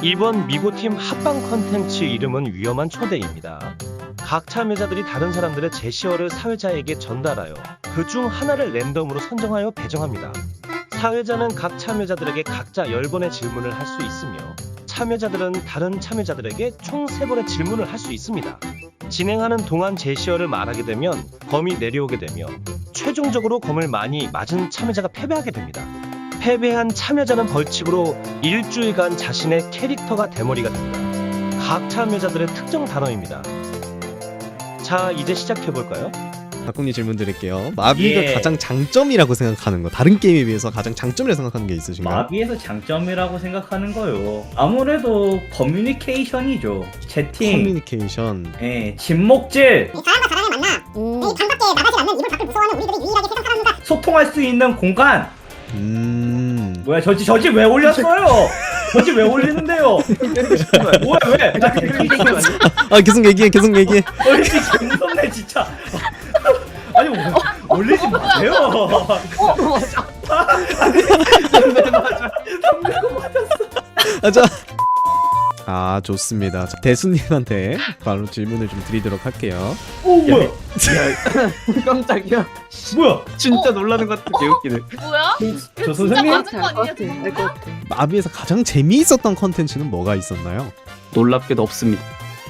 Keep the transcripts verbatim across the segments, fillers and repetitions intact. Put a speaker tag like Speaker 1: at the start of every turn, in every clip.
Speaker 1: 이번 미고팀 합방 컨텐츠 이름은 위험한 초대입니다. 각 참여자들이 다른 사람들의 제시어를 사회자에게 전달하여 그 중 하나를 랜덤으로 선정하여 배정합니다. 사회자는 각 참여자들에게 각자 열 번의 질문을 할 수 있으며 참여자들은 다른 참여자들에게 총 세 번의 질문을 할 수 있습니다. 진행하는 동안 제시어를 말하게 되면 검이 내려오게 되며 최종적으로 검을 많이 맞은 참여자가 패배하게 됩니다. 패배한 참여자는 벌칙으로 일주일간 자신의 캐릭터가 대머리가 됩니다. 각 참여자들의 특정 단어입니다. 자, 이제 시작해볼까요?
Speaker 2: 박국님 질문 드릴게요. 마비가
Speaker 3: 예.
Speaker 2: 가장 장점이라고 생각하는 거, 다른 게임에 비해서 가장 장점이라고 생각하는 게 있으신가요?
Speaker 3: 마비에서 장점이라고 생각하는 거요. 아무래도 커뮤니케이션이죠. 채팅,
Speaker 2: 커뮤니케이션.
Speaker 3: 예, 진목질,
Speaker 4: 이 사람과 사람을 만나 음. 이 방밖에 나가지 않는 이불 밖을 무서워하는 우리들이 유일하게 세상 사람과
Speaker 3: 소통할 수 있는 공간.
Speaker 2: 음.
Speaker 3: 뭐야, 저지 저지 왜 올렸어요? 저지 왜 올리는데요? 뭐야 왜? 나 그냥
Speaker 2: 아 계속 얘기해, 계속 얘기해.
Speaker 3: 어이 개 무섭네 진짜. 아니 뭐, 올리지 마세요.
Speaker 5: 어 맞아.
Speaker 2: 아, 자. 아 좋습니다. 자, 대수님한테 바로 질문을 좀 드리도록 할게요.
Speaker 3: 오 뭐야?
Speaker 5: 깜짝이야.
Speaker 3: 뭐야?
Speaker 5: 진짜 놀라는 것 같아. 개웃기네.
Speaker 6: 뭐야?
Speaker 3: 저
Speaker 6: 진짜
Speaker 3: 선생님?
Speaker 6: 맞은 거 아니냐?
Speaker 5: 될것 같아.
Speaker 2: 마비에서 가장 재미있었던 컨텐츠는 뭐가 있었나요?
Speaker 5: 놀랍게도 없습니다.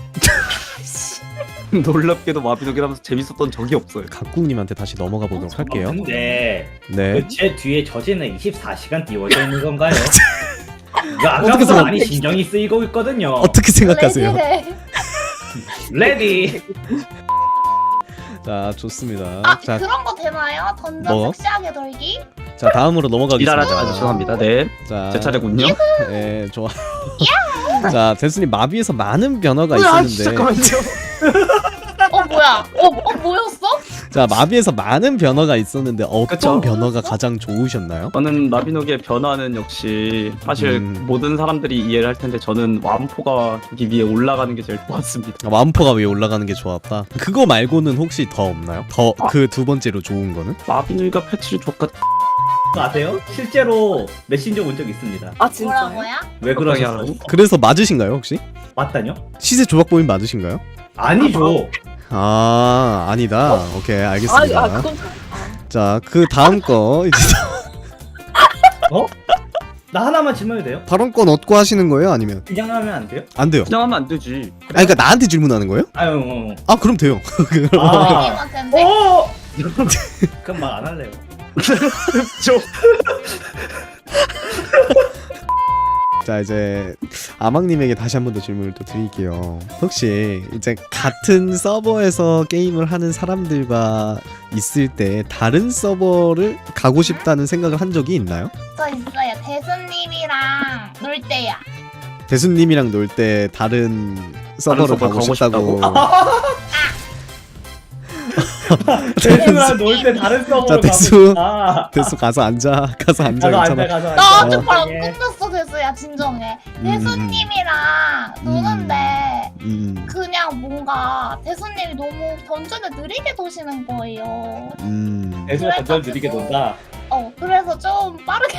Speaker 5: 놀랍게도 마비노기라면서 재밌었던 적이 없어요.
Speaker 2: 각국님한테 다시 넘어가 보도록 할게요.
Speaker 3: 근데
Speaker 2: 네.
Speaker 3: 그 제 뒤에 저지는 이십사 시간 띄워져 있는 건가요? 이거
Speaker 2: 어떻게
Speaker 3: 아까부터
Speaker 2: 생각-
Speaker 3: 많이 신경이 쓰이고 있거든요.
Speaker 2: 어떻게 생각하세요?
Speaker 6: 레디래.
Speaker 3: 레디.
Speaker 2: 자 좋습니다.
Speaker 6: 아
Speaker 2: 자,
Speaker 6: 그런 거 되나요? 던져
Speaker 2: 뭐?
Speaker 6: 섹시하게 돌기?
Speaker 2: 자 다음으로 넘어가겠습니다.
Speaker 5: 일하라지 마세요. 죄송합니다. 네,
Speaker 2: 자,
Speaker 5: 제 차례군요.
Speaker 2: 네, 좋아. 자, 대수님 마비에서 많은 변화가
Speaker 5: 으아,
Speaker 2: 있었는데,
Speaker 6: 어 뭐야? 어, 어 뭐였어?
Speaker 2: 자 마비에서 많은 변화가 있었는데 어떤
Speaker 5: 그쵸.
Speaker 2: 변화가 가장 좋으셨나요?
Speaker 5: 저는 마비노기의 변화는 역시 사실
Speaker 2: 음.
Speaker 5: 모든 사람들이 이해를 할 텐데 저는 완포가 저기 위에 올라가는 게 제일 좋았습니다.
Speaker 2: 완포가 위에 올라가는 게 좋았다. 그거 말고는 혹시 더 없나요? 더 그 두 번째로 좋은 거는?
Speaker 5: 마비노기가 패치를 줬까
Speaker 3: 아세요? 실제로 메신저 온 적 있습니다.
Speaker 5: 아
Speaker 6: 뭐라고요?
Speaker 3: 왜 그러냐고?
Speaker 5: 하라고?
Speaker 2: 그래서 맞으신가요 혹시?
Speaker 3: 맞다뇨?
Speaker 2: 시세 조작 보임 맞으신가요?
Speaker 3: 아니죠.
Speaker 2: 아 아니다. 오케이 알겠습니다.
Speaker 5: 아, 아 그건
Speaker 2: 자 그 다음 거 이제
Speaker 3: 어? 나 하나만 질문해도 돼요?
Speaker 2: 발언권 얻고 하시는 거예요? 아니면
Speaker 3: 그냥 하면 안 돼요?
Speaker 2: 안 돼요?
Speaker 5: 그냥 하면 안 되지.
Speaker 2: 아 그러니까 나한테 질문하는 거예요?
Speaker 3: 아유, 어.
Speaker 2: 아 그럼 돼요.
Speaker 3: 아,
Speaker 6: 님한테인데?
Speaker 3: 어. 그럼 말 안 할래요.
Speaker 2: 자 이제 아망님에게 다시 한 번 더 질문을 또 드릴게요. 혹시 이제 같은 서버에서 게임을 하는 사람들과 있을 때 다른 서버를 가고 싶다는 생각을 한 적이 있나요?
Speaker 6: 저 있어요. 대수님이랑 놀 때야.
Speaker 2: 대수님이랑 놀 때 다른 서버로
Speaker 5: 서버
Speaker 2: 가고,
Speaker 5: 가고
Speaker 2: 싶다고.
Speaker 3: 대수랑 놀 때 다른 서버로
Speaker 2: 자,
Speaker 3: 가고
Speaker 2: 대수.
Speaker 3: 싶다.
Speaker 2: 대수 가서 앉아. 가서 앉아.
Speaker 3: 가서 앉아,
Speaker 2: 괜찮아.
Speaker 3: 가서 앉아.
Speaker 6: 나
Speaker 3: 어,
Speaker 6: 아직 말 안
Speaker 3: 예.
Speaker 6: 끝났어 대수야 진정해.
Speaker 2: 음,
Speaker 6: 대수님이랑 노는데
Speaker 2: 음,
Speaker 6: 그냥 뭔가 대수님이 너무 던전을 느리게 도시는 거예요.
Speaker 2: 음.
Speaker 3: 대수가 던전 느리게 논다.
Speaker 6: 어 그래서 좀 빠르게.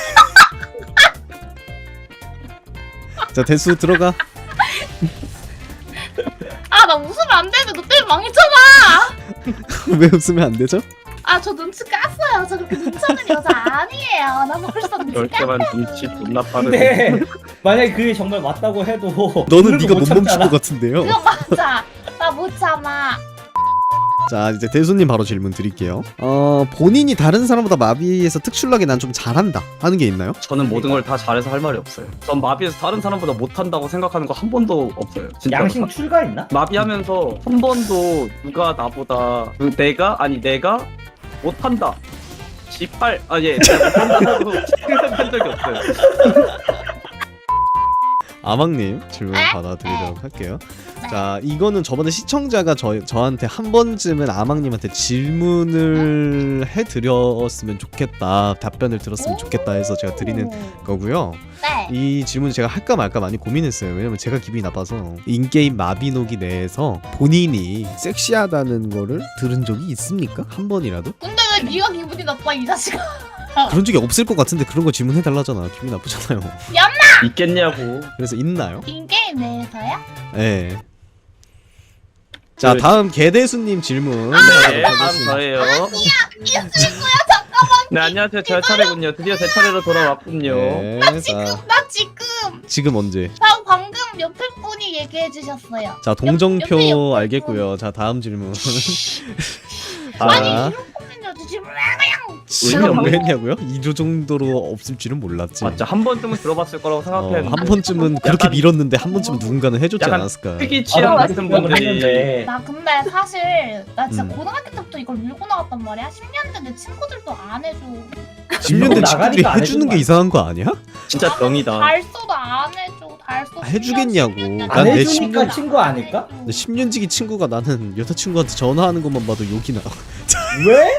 Speaker 2: 자 대수 들어가.
Speaker 6: 아 나 웃으면 안 되는데 너 때문에 망했잖아.
Speaker 2: 왜 웃으면 안 되죠?
Speaker 6: 아 저 눈치 깠어요. 저 그렇게 눈치 없는 여자 아니에요. 나 벌써 눈치
Speaker 5: 열
Speaker 6: 깠.
Speaker 5: 개만 눈치 존나 빠르네.
Speaker 3: 근데 만약에 그게 정말 맞다고 해도
Speaker 2: 너는
Speaker 3: 웃는
Speaker 2: 네가
Speaker 3: 거
Speaker 2: 못 멈출
Speaker 3: 참잖아.
Speaker 2: 것 같은데요.
Speaker 6: 그거 맞아. 나 못 참아.
Speaker 2: 자 이제 대수님 바로 질문 드릴게요. 어 본인이 다른 사람보다 마비에서 특출나게 난 좀 잘한다 하는 게 있나요?
Speaker 5: 저는 모든 걸 다 잘해서 할 말이 없어요. 전 마비에서 다른 사람보다 못한다고 생각하는 거 한 번도 없어요. 진짜.
Speaker 3: 양심 출가 있나?
Speaker 5: 마비하면서 한 번도 누가 나보다 그 내가 아니 내가 못한다. 지빨 아예 못한다고 생각한 적이 없어요.
Speaker 2: 아망님 질문
Speaker 6: 에?
Speaker 2: 받아드리도록 할게요.
Speaker 6: 네.
Speaker 2: 자 이거는 저번에 시청자가 저, 저한테 한 번쯤은 아망님한테 질문을 해드렸으면 좋겠다, 답변을 들었으면 좋겠다 해서 제가 드리는
Speaker 6: 오.
Speaker 2: 거고요.
Speaker 6: 네.
Speaker 2: 이 질문을 제가 할까 말까 많이 고민했어요. 왜냐면 제가 기분이 나빠서. 인게임 마비노기 내에서 본인이 섹시하다는 거를 들은 적이 있습니까? 한 번이라도?
Speaker 6: 근데 왜 네가 기분이 나빠 이 자식아?
Speaker 2: 그런 적이 없을 것 같은데 그런 거 질문해 달라잖아. 기분 나쁘잖아요.
Speaker 5: 있겠냐고.
Speaker 2: 그래서 있나요?
Speaker 6: 인게임 내에서요?
Speaker 2: 네. 자
Speaker 5: 그-
Speaker 2: 다음 개대수님 질문.
Speaker 5: 네,
Speaker 2: 하도록
Speaker 5: 다음
Speaker 2: 하겠습니다.
Speaker 5: 저예요.
Speaker 6: 이수구야 잠깐만.
Speaker 5: 네, 안녕하세요. 제 차례군요. 드디어 제 차례로 돌아왔군요.
Speaker 2: 네,
Speaker 6: 나 지금
Speaker 2: 자
Speaker 6: 나 지금
Speaker 2: 지금 언제?
Speaker 6: 나 방금 옆에 분이 얘기해 주셨어요.
Speaker 2: 자
Speaker 6: 옆-
Speaker 2: 동정표
Speaker 6: 옆에 옆에
Speaker 2: 알겠고요. 자 다음 질문.
Speaker 6: 아니
Speaker 2: 자,
Speaker 6: 이런 코멘트 질문
Speaker 2: 지금
Speaker 5: 없네.
Speaker 2: 왜 했냐고요? 이 정도로 없을 줄은 몰랐지.
Speaker 5: 맞죠. 한 번쯤은 들어봤을 거라고
Speaker 2: 어,
Speaker 5: 생각했는데.
Speaker 2: 한 번쯤은 그렇게
Speaker 5: 약간-
Speaker 2: 밀었는데 한 번쯤은 누군가는 해줬지
Speaker 5: 약간
Speaker 2: 않았을까?
Speaker 5: 특이 취향 같은
Speaker 3: 생각을
Speaker 5: 분들이
Speaker 3: 했는데
Speaker 6: 나 근데 사실 나 진짜
Speaker 2: 음.
Speaker 6: 고등학교 때부터 이걸 밀고 나갔단 말이야. 십 년 된 내 친구들도 안 해줘.
Speaker 2: 십 년 된
Speaker 3: 나가니까
Speaker 2: 친구들이
Speaker 3: 안
Speaker 2: 해주는 게
Speaker 3: 해주는
Speaker 2: 이상한 거 아니야?
Speaker 5: 진짜 병이다.
Speaker 6: 달소도 안 해줘. 달소
Speaker 2: 아, 해주겠냐고.
Speaker 6: 십 년,
Speaker 2: 난 내
Speaker 6: 십
Speaker 3: 해주니까
Speaker 6: 년
Speaker 3: 친구
Speaker 6: 안
Speaker 3: 아닐까?
Speaker 6: 해줘.
Speaker 2: 근데 십 년지기 친구가 나는 여자친구한테 전화하는 것만 봐도 욕이 나.
Speaker 3: 왜?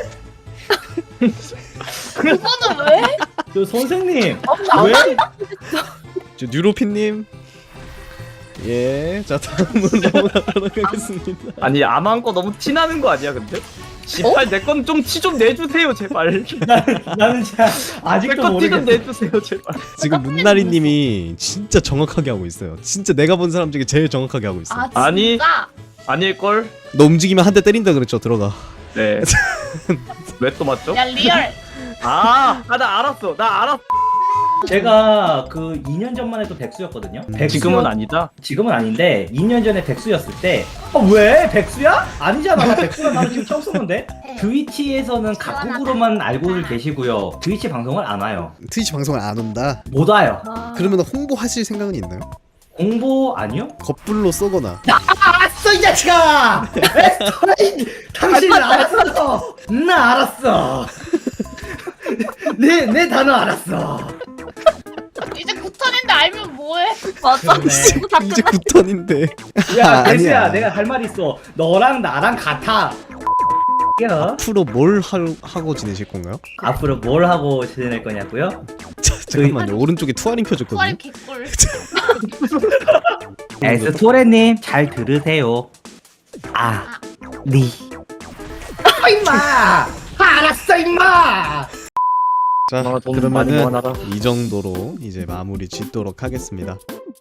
Speaker 6: 그거는 왜?
Speaker 3: 저 선생님 왜?
Speaker 2: 저 뉴로피님. 예, 자 다음으로 넘어가도록 하겠습니다.
Speaker 5: 아니 아마한 거 너무 티나는 거 아니야 근데? 씨발 내 건 좀 티 좀 내주세요 제발.
Speaker 3: 나는 진짜
Speaker 5: 내
Speaker 3: 아직도
Speaker 5: 건 티 좀
Speaker 3: 모르겠어.
Speaker 2: 아,
Speaker 5: 내주세요 제발.
Speaker 2: 지금 문나리님이 진짜 정확하게 하고 있어요. 진짜 내가 본 사람 중에 제일 정확하게 하고 있어.
Speaker 6: 아 진짜?
Speaker 5: 아니. 아닐걸?
Speaker 2: 너 움직이면 한 대 때린다 그랬죠? 들어가.
Speaker 5: 네. 왜 또 맞죠?
Speaker 6: 야 리얼.
Speaker 5: 아, 아, 나 알았어. 나 알았어.
Speaker 3: 제가 그 이 년 전만 해도 백수였거든요. 백수였-
Speaker 5: 지금은 아니다.
Speaker 3: 지금은 아닌데 이 년 전에 백수였을 때 아, 왜? 백수야? 아니잖아. 나 백수가 나는 지금 처음 썼는데 트위치에서는 각국으로만 알고 계시고요. 트위치 방송을 안 와요.
Speaker 2: 트위치 방송을 안 온다.
Speaker 3: 못 와요.
Speaker 2: 그러면 홍보하실 생각은 있나요?
Speaker 3: 공보 아니요?
Speaker 2: 겁불로 쏘거나.
Speaker 3: 알았어 이 자식아! 에스터라인 당신 알았어! 나 알았어! 내, 내 단어 알았어!
Speaker 6: 이제 구턴인데 알면 뭐해?
Speaker 7: 맞아.
Speaker 3: 그러네.
Speaker 2: 이제 구턴인데.
Speaker 3: 야
Speaker 2: 아,
Speaker 3: 대수야
Speaker 2: 아니야.
Speaker 3: 내가 할 말 있어. 너랑 나랑 같아. 야,
Speaker 2: 앞으로 뭘 할, 하고 지내실 건가요?
Speaker 3: 앞으로 뭘 하고 지낼 거냐고요?
Speaker 2: 자, 잠깐만요. 오른쪽에 투아링 켜졌거든요.
Speaker 6: 투아리 개꿀.
Speaker 3: 에스토레님 잘 들으세요. 아, 니. 아 임마! 알았어 임마!
Speaker 2: 자,
Speaker 5: 아, 돈 많이
Speaker 2: 그러면은
Speaker 5: 모아놔라.
Speaker 2: 이 정도로 이제 마무리 짓도록 하겠습니다.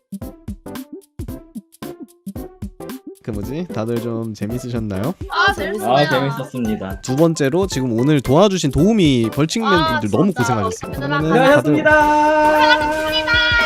Speaker 2: 그 뭐지? 다들 좀 재밌으셨나요?
Speaker 6: 아 재밌어요.
Speaker 3: 아 재밌었습니다.
Speaker 2: 두 번째로 지금 오늘 도와주신 도우미 벌칙맨
Speaker 6: 아,
Speaker 2: 분들 너무
Speaker 6: 진짜.
Speaker 2: 고생하셨어요.
Speaker 6: 얘들아,
Speaker 2: 그러면은 다들
Speaker 3: 고생하셨습니다.